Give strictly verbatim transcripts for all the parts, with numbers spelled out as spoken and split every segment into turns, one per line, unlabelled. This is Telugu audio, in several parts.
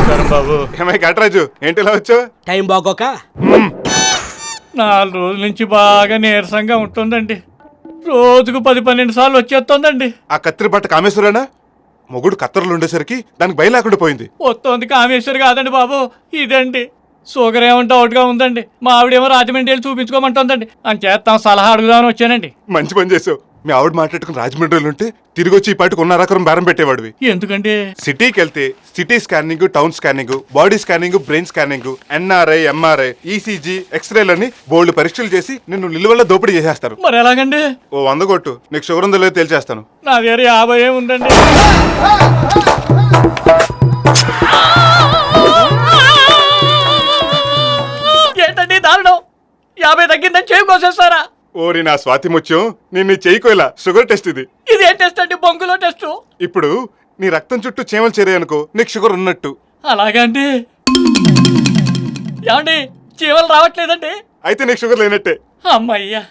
బాబు
ఏమై కటరాజు ఏంటి ఇలా వచ్చావు?
టైం బాగోక
నాలుగు రోజుల నుంచి బాగా నీరసంగా ఉంటుందండి. రోజుకు పది పన్నెండు సార్లు వచ్చేస్తుందండి.
ఆ కత్తిరి బట్ట కామేశ్వరేనా? మొగుడు కత్తెరలు ఉండేసరికి దానికి భయం లేకుండా పోయింది.
వస్తుంది కామేశ్వరి కాదండి బాబు, ఇదండి. షుగర్ ఏమంటే అవుట్గా ఉందండి. మా ఆవిడేమో రాజమండ్రి వెళ్ళి చూపించుకోమంటుందండి. అని చేస్తాం సలహా అడుగుదామని వచ్చానండి.
మంచి పని చేసావు. మీ ఆవిడ మాట్లాడుకుని రాజమండ్రిలో ఉంటే తిరిగి వచ్చి ఈ పాటికి ఉన్న రకం బేరం పెట్టేవాడివి.
ఎందుకండి?
సిటీకి వెళ్తే city scanning, town scanning, body scanning, brain scanning, NRI, MRI, ECG, ఎక్స్రేలని బోల్డ్ పరీక్షలు చేసి నిన్ను నిలువల్ల దోపిడీ చేసేస్తారు.
మరి ఎలాగండి?
ఓ వంద కొట్టు, నీకు షుగర్ ఉందో లేదో తేల్చేస్తాను.
నా దగ్గర యాభై ఉందండి. ఏంటండి దారుణం? యాభై తగ్గిందని చేయి కోసేస్తారా?
ఓరి నా స్వాతి ముత్యం, నేను చెయ్యికోలా షుగర్ టెస్ట్ ఇది.
ఇది ఏ టెస్ట్ అండి? బొంగులో టెస్ట్.
ఇప్పుడు నీ రక్తం చుట్టూ చీమలు చేరాయనుకో నీకు షుగర్ ఉన్నట్టు.
అలాగండి. ఏమండి చీమలు రావట్లేదండి?
అయితే నీకు షుగర్ లేనట్టే.
అమ్మయ్యా,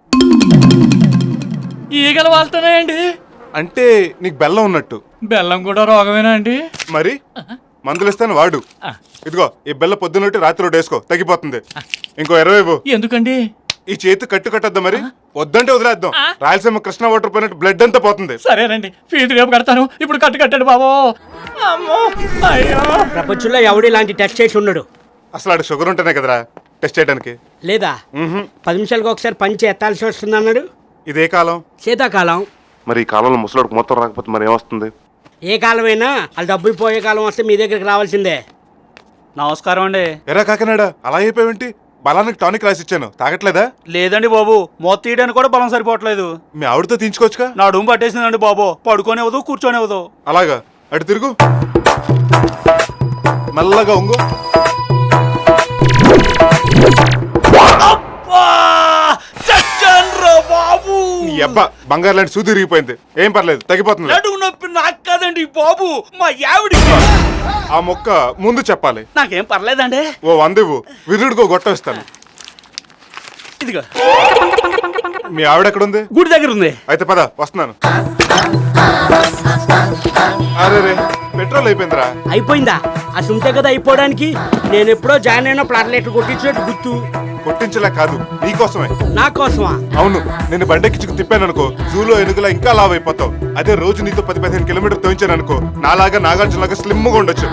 ఈగలు వాళ్తున్నాయండి.
అంటే నీకు బెల్లం ఉన్నట్టు.
బెల్లం కూడా రోగమేనా అండి?
మరి మందులు ఇస్తాను వాడు. ఇదిగో ఈ బెల్ల పొద్దున్నట్టు రాత్రి ఒకటి వేసుకో, తగ్గిపోతుంది. ఇంకో ఇరవై ఇవ్వు.
ఎందుకండి?
ఈ చేతి కట్టు కట్టద్దా? మరి వద్దంటే వదిలేద్దాం. రాయలసీమ కృష్ణ వాటర్ పోయినట్టు బ్లడ్ అంతా పోతుంది.
సరేనండి, ఫీజు రేపు కడతాను. ఇప్పుడు కట్టు కట్టాడు బాబు. అమ్మో అయ్యో.
ప్రపంచంలో ఎవడు ఇలాంటి టెస్ట్ చేసి ఉండడు.
అసలు ఆడ షుగర్ ఉంటేనే కదరా టెస్ట్ చేయడానికి.
లేదా పది నిమిషాలకు ఒకసారి పంచి ఎత్తాల్సి వస్తుంది అన్నాడు.
ఇదే కాలం,
శీతాకాలం.
మరి ఈ కాలంలో ముసలాడికి మొత్తం రాకపోతే మరి ఏమొస్తుంది?
ఏ కాలమైనా వాళ్ళు డబ్బులు పోయే కాలం వస్తే మీ దగ్గరికి రావాల్సిందే.
నమస్కారం అండి.
ఎరా కాకినాడ, అలా అయిపోయావేంటి? బలానికి టానిక్ రాసి ఇచ్చాను, తాగట్లేదా?
లేదండి బాబు, మొత్తం తీయడానికి కూడా బలం సరిపోవట్లేదు.
మీ ఆవిడతో తీయించుకోవచ్చుగా.
నా డూమ్ పట్టేసిందండి బాబు. పడుకోనివ్వదు, కూర్చోనివ్వదు.
అలాగా, అటు తిరుగు, మెల్లగా ఉంగు.
బాబు
నీ అబ్బా బంగారు లాంటి సూది తిరిగిపోయింది. ఏం పర్లేదు, తగ్గిపోతుంది.
నడుము నొప్పి నాకు కాదండి బాబు, మా ఆవిడ.
ఆ మొక్క ముందు చెప్పాలి.
నాకేం పర్లేదండి.
ఓ వంద ఇవ్వు, విరుడుకో గొట్టం ఇస్తాను.
ఇదిగో.
మీ ఆవిడ ఎక్కడుంది?
గుడి దగ్గర ఉంది.
అయితే పద, వస్తున్నాను. అరే రే, పెట్రోల్ అయిపోయిందిరా.
అయిపోయిందా? ఆ సుంటే కదా అయిపోవడానికి. నేను ఎప్పుడో జాయిన్ అయిన ప్లాట్లెట్లు కొట్టించినట్టు గుర్తు.
కొట్టించలే కాదు, నీకోసమే.
నా కోసమా?
అవును, నేను బండెక్కించుకు తిప్పాను అనుకో, జూలో ఎనుగులా ఇంకా లావ్ అయిపోతావు. అదే రోజు నీతో పది పదిహేను కిలోమీటర్ తోయించాను అనుకో, నాలాగా నాగార్జునలాగా స్లిమ్ గా ఉండొచ్చు.